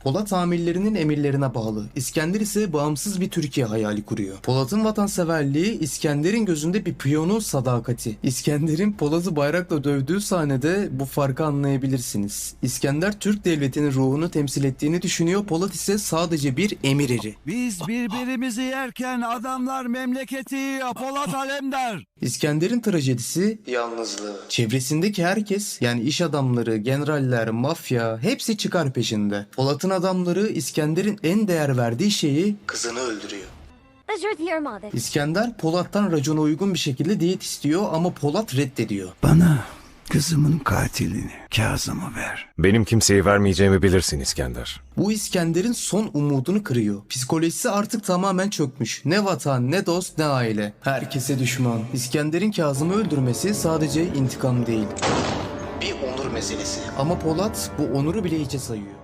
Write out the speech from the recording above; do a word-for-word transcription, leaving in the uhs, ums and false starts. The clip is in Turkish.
Polat amirlerinin emirlerine bağlı. İskender ise bağımsız bir Türkiye hayali kuruyor. Polat'ın vatanseverliği İskender'in gözünde bir piyonun sadakati. İskender'in Polat'ı bayrakla dövdüğü sahnede bu farkı anlayabilirsiniz. İskender Türk devletinin ruhunu temsil ettiğini düşünüyor. Polat ise sadece bir emir eri. Biz birbirimizi yerken adamlar memleketi Polat Alemdar. İskender'in trajedisi yalnızlığı. Çevresindeki herkes, yani iş adamları, generaller, mafya hepsi çıkar peşinde. Polat'ın adamları İskender'in en değer verdiği şeyi, kızını öldürüyor. İskender Polat'tan racona uygun bir şekilde diyet istiyor ama Polat reddediyor. Bana kızımın katilini, Kazım'ı ver. Benim kimseyi vermeyeceğimi bilirsin İskender. Bu İskender'in son umudunu kırıyor. Psikolojisi artık tamamen çökmüş. Ne vatan, ne dost, ne aile. Herkese düşman. İskender'in Kazım'ı öldürmesi sadece intikam değil. Bir onur meselesi. Ama Polat bu onuru bile hiçe sayıyor.